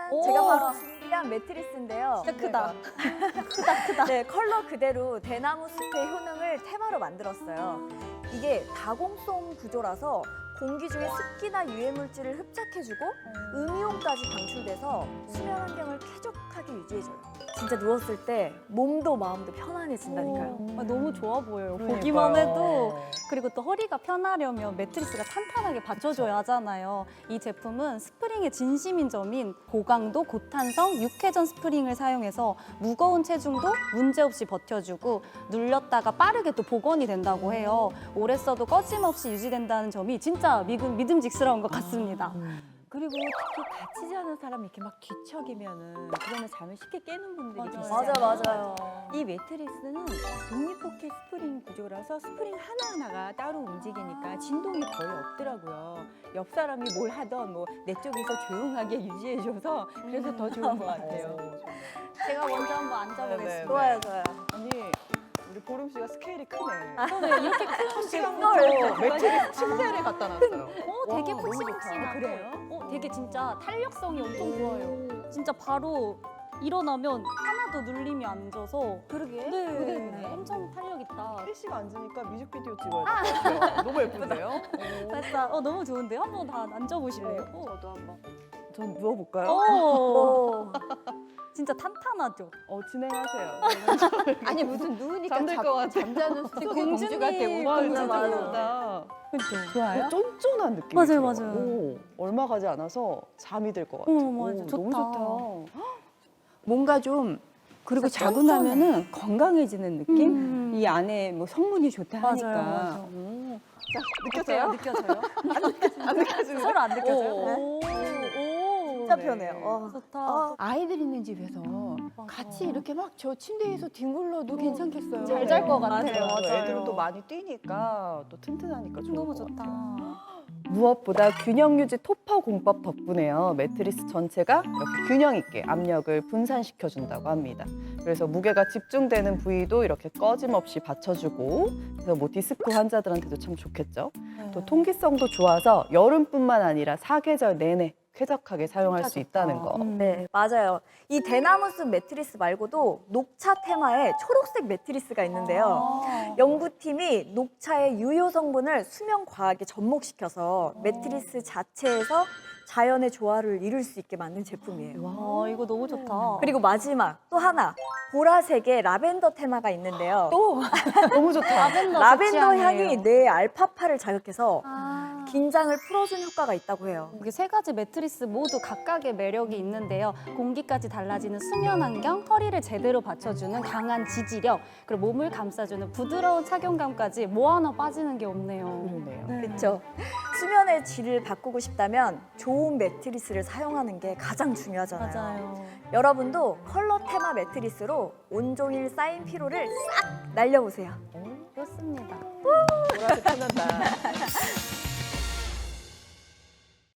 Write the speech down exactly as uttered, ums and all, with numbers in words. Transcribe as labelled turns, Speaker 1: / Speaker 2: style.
Speaker 1: 오.
Speaker 2: 제가 바로 준비한 매트리스인데요.
Speaker 1: 진짜 크다.
Speaker 2: 크다, 크다. 네, 컬러 그대로 대나무 숲의 효능을 테마로 만들었어요. 이게 다공성 구조라서 공기 중에 습기나 유해물질을 흡착해주고 음이온까지 방출돼서 수면 환경을 쾌적하게 유지해줘요. 진짜 누웠을 때 몸도 마음도 편안해진다니까요.
Speaker 1: 아, 너무 좋아 보여요.
Speaker 3: 그러니까요.
Speaker 1: 보기만 해도. 그리고 또 허리가 편하려면 매트리스가 탄탄하게 받쳐줘야 하잖아요. 이 제품은 스프링의 진심인 점인 고강도, 고탄성, 육회전 스프링을 사용해서 무거운 체중도 문제없이 버텨주고 눌렸다가 빠르게 또 복원이 된다고 해요. 오래 써도 꺼짐없이 유지된다는 점이 진짜 믿음, 믿음직스러운 것 같습니다.
Speaker 3: 그리고 특히 같이 자는 사람이 이렇게 막 뒤척이면은 그러면 잠을 쉽게 깨는 분들이
Speaker 1: 맞아요.
Speaker 3: 계시잖아요.
Speaker 2: 맞아, 맞아요.
Speaker 3: 이 매트리스는 독립포켓 스프링 구조라서 스프링 하나하나가 따로 움직이니까 진동이 거의 없더라고요. 옆 사람이 뭘 하던 뭐 내 쪽에서 조용하게 유지해줘서 그래서 더 좋은 것 같아요.
Speaker 1: 제가 먼저 한번 앉아보겠습니다.
Speaker 3: 네, 네.
Speaker 2: 좋아요, 좋아요.
Speaker 3: 아니 우리 보름 씨가 스케일이 크네.
Speaker 1: 저는 이렇게 큰
Speaker 2: 걸.
Speaker 3: 시간부터 매트리스 침대를 갖다 놨어요.
Speaker 1: 어, 되게
Speaker 3: 와, 너무 좋다.
Speaker 1: 푹신푹신하고.
Speaker 3: 그래요?
Speaker 1: 어, 되게 진짜 탄력성이 엄청 좋아요. 진짜 바로 일어나면 하나도 눌림이 안 져서.
Speaker 2: 그러게.
Speaker 1: 네,
Speaker 3: 그러겠네.
Speaker 1: 엄청 탄력 있다.
Speaker 3: 혜리 씨가 앉으니까 뮤직비디오 찍어야 될 것 같아요. 너무 예쁜데요?
Speaker 1: 됐다. 어, 너무 좋은데요? 한번 다 앉아보실래요? 어.
Speaker 3: 저도 한번. 전 누워볼까요?
Speaker 1: 오, 진짜 탄탄하죠?
Speaker 3: 어, 진행하세요.
Speaker 4: 아니 무슨 누우니까
Speaker 3: 잠들
Speaker 4: 잠,
Speaker 3: 것 같아.
Speaker 4: 잠자는 숲속의
Speaker 1: 공주님.
Speaker 4: 공주가 되고
Speaker 3: 와,
Speaker 2: 진짜
Speaker 3: 진짜
Speaker 2: 맞아요.
Speaker 3: 좋다.
Speaker 1: 그렇죠.
Speaker 3: 좋아요? 쫀쫀한 느낌이
Speaker 1: 맞아요,
Speaker 3: 들어요.
Speaker 1: 맞아요.
Speaker 3: 오, 얼마 가지 않아서 잠이 들 것 같아요.
Speaker 1: 어, 맞아.
Speaker 3: 오,
Speaker 1: 좋다.
Speaker 3: 너무 좋다.
Speaker 4: 뭔가 좀 그리고
Speaker 1: 진짜
Speaker 4: 자고
Speaker 1: 쫀쫀해.
Speaker 4: 나면은 건강해지는 느낌?
Speaker 1: 음.
Speaker 4: 이 안에 뭐 성분이 좋다
Speaker 1: 맞아요,
Speaker 4: 하니까.
Speaker 1: 맞아요.
Speaker 4: 음.
Speaker 3: 느껴져요?
Speaker 1: 느껴져요?
Speaker 3: 안 느껴지는
Speaker 1: 서로 안 느껴져요?
Speaker 3: 오.
Speaker 1: 오, 오.
Speaker 2: 진짜
Speaker 3: 네.
Speaker 2: 편해요. 와.
Speaker 1: 좋다.
Speaker 2: 아,
Speaker 4: 아이들 있는 집에서
Speaker 1: 맞아.
Speaker 4: 같이 이렇게 막 저 침대에서 뒹굴러도 괜찮겠어요.
Speaker 1: 잘 잘 것
Speaker 2: 맞아요,
Speaker 1: 같아요.
Speaker 2: 맞아요.
Speaker 3: 애들은 또 많이 뛰니까 또 튼튼하니까 좋은
Speaker 1: 너무
Speaker 3: 것
Speaker 1: 좋다.
Speaker 3: 같아요. 무엇보다 균형 유지 토퍼 공법 덕분에요. 매트리스 전체가 이렇게 균형 있게 압력을 분산시켜 준다고 합니다. 그래서 무게가 집중되는 부위도 이렇게 꺼짐없이 받쳐주고, 그래서 뭐 디스크 환자들한테도 참 좋겠죠. 또 통기성도 좋아서 여름뿐만 아니라 사계절 내내 쾌적하게 사용할 수 있다는 거.
Speaker 1: 음.
Speaker 2: 네, 맞아요. 이 대나무숲 매트리스 말고도 녹차 테마의 초록색 매트리스가 있는데요.
Speaker 1: 아.
Speaker 2: 연구팀이 녹차의 유효 성분을 수면 과학에 접목시켜서 매트리스 자체에서 자연의 조화를 이룰 수 있게 만든 제품이에요.
Speaker 1: 와, 이거 너무 좋다.
Speaker 2: 그리고 마지막 또 하나 보라색의 라벤더 테마가 있는데요.
Speaker 3: 또 너무 좋다.
Speaker 1: 라벤더,
Speaker 2: 라벤더
Speaker 1: 좋지 않아요?
Speaker 2: 향이 뇌의 알파파를 자극해서
Speaker 1: 아.
Speaker 2: 긴장을 풀어준 효과가 있다고 해요.
Speaker 1: 이게 세 가지 매트리스 모두 각각의 매력이 있는데요. 공기까지 달라지는 수면 환경, 허리를 제대로 받쳐주는 강한 지지력, 그리고 몸을 감싸주는 부드러운 착용감까지 뭐 하나 빠지는 게 없네요.
Speaker 3: 그러네요.
Speaker 2: 그렇죠. 수면의 질을 바꾸고 싶다면 좋은 매트리스를 사용하는 게 가장 중요하잖아요.
Speaker 1: 맞아요.
Speaker 2: 여러분도 컬러 테마 매트리스로 온종일 쌓인 피로를 싹 날려보세요.
Speaker 1: 그렇습니다.
Speaker 3: 보라색 편한다.